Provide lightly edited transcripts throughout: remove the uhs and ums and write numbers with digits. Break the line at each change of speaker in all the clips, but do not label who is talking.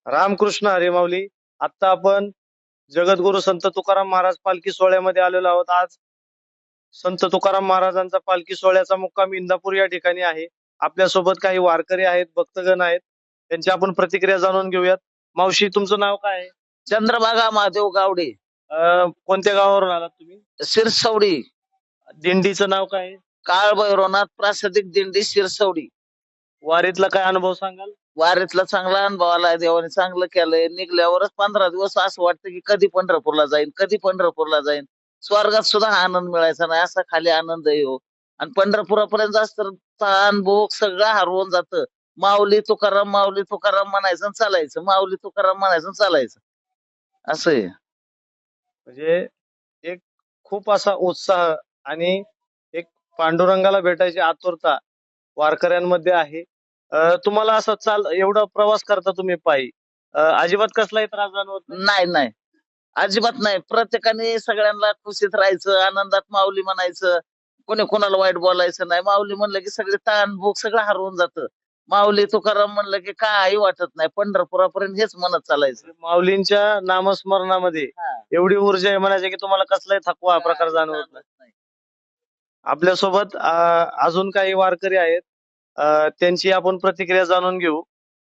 रामकृष्ण हरी माऊली. आता आपण जगद्गुरु संत तुकाराम महाराज पालखी सोहळ्यामध्ये आलेलो आहोत. आज संत तुकाराम महाराजांचा पालखी सोहळ्याचा मुक्काम इंदापूर या ठिकाणी आहे. आपल्यासोबत काही वारकरी आहेत, भक्तगण आहेत. त्यांची आपण प्रतिक्रिया जाणून घेऊयात. मावशी, तुमचं नाव काय आहे?
चंद्रभागा महादेव गावडे,
कोणत्या गावावरून आलात तुम्ही?
शिरसवडी.
दिंडीचं नाव काय आहे?
काळ भैरवनाथ प्रासादिक दिंडी शिरसवडी.
वारीतला काय अनुभव सांगाल?
वारीतला चांगला अनुभव आलाय, देवाने चांगलं केलंय. निघल्यावरच 15 दिवस असं वाटतं की कधी पंढरपूरला जाईन, कधी पंढरपूरला जाईन. स्वर्गात सुद्धा हा आनंद मिळायचा नाही, असा खाली आनंद आहे हो. आणि पंढरपुरापर्यंत जास्त ताण भोग सगळं हरवून जातं. माऊली तुकाराम म्हणायचं आणि चालायचं, माऊली तुकाराम म्हणायचं आणि चालायचं, असं आहे.
म्हणजे एक खूप असा उत्साह आणि एक पांडुरंगाला भेटायची आतुरता वारकऱ्यांमध्ये आहे. तुम्हाला असं एवढा प्रवास करता तुम्ही पायी, अजिबात कसलाही त्रास जाणवत नाही?
नाही नाही, अजिबात नाही. प्रत्येकाने सगळ्यांना खुशीत राहायचं, आनंदात माऊली म्हणायचं, कोणी कोणाला वाईट बोलायचं नाही. माऊली म्हणलं की सगळे ताण भूक सगळं हरवून जातं. माऊली तुकाराम म्हणलं की काही वाटत नाही, पंढरपुरापर्यंत हेच म्हणत चालायचं.
माऊलींच्या नामस्मरणामध्ये एवढी ऊर्जा आहे म्हणायची की तुम्हाला कसलाही थकवा प्रकार जाणवत नाही. आपल्यासोबत अजून काही वारकरी आहेत, त्यांची आपण प्रतिक्रिया जाणून घेऊ.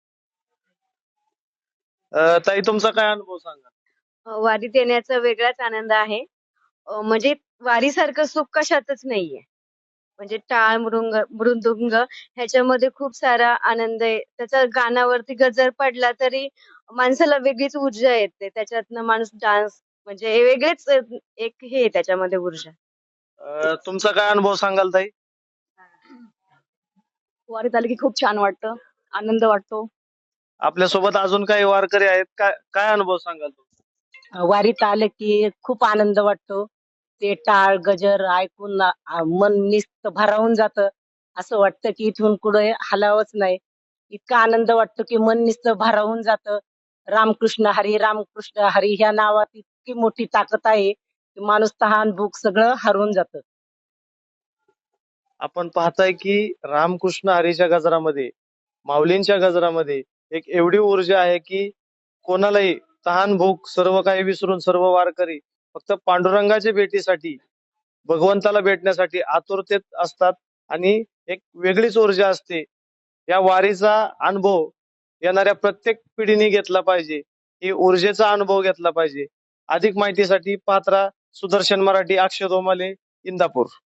ताई, तुमचा काय अनुभव सांगा?
वारीत येण्याचा वेगळाच आनंद आहे. म्हणजे वारीसारखं सुख कशातच नाहीये. म्हणजे टाळ मृदुंग ह्याच्यामध्ये खूप सारा आनंद आहे. त्याचा गाण्यावरती गजर पडला तरी माणसाला वेगळीच ऊर्जा येते. त्याच्यातनं माणूस डान्स म्हणजे हे वेगळेच एक हे आहे त्याच्यामध्ये ऊर्जा.
तुमचा काय अनुभव सांगाल ताई?
वारीत आले की खूप छान वाटतं, आनंद वाटतो.
आपल्यासोबत अजून काही वारकरी आहेत, काय अनुभव सांगाल तुम्ही?
वारीत आले की खूप आनंद वाटतो. ते टाळ गजर ऐकून मन निस्त भारावून जातं. असं वाटतं की इथून पुढे हलावंच नाही. इतका आनंद वाटतो की मन निस्त भारावून जातं. रामकृष्ण हरी ह्या नावात इतकी मोठी ताकद आहे की माणूस तहान भूक सगळं हरवून जातं.
आपण पाहताय की रामकृष्ण हरीच्या गजरामध्ये, माऊलींच्या गजरामध्ये एक एवढी ऊर्जा आहे की कोणालाही तहान भूक सर्व काही विसरून सर्व वारकरी फक्त पांडुरंगाच्या भेटीसाठी, भगवंताला भेटण्यासाठी आतुरतेत असतात. आणि एक वेगळीच ऊर्जा असते. या वारीचा अनुभव येणाऱ्या प्रत्येक पिढीने घेतला पाहिजे, ही ऊर्जेचा अनुभव घेतला पाहिजे. अधिक माहितीसाठी पात्रा सुदर्शन मराठी, अक्षय दोमाले, इंदापूर.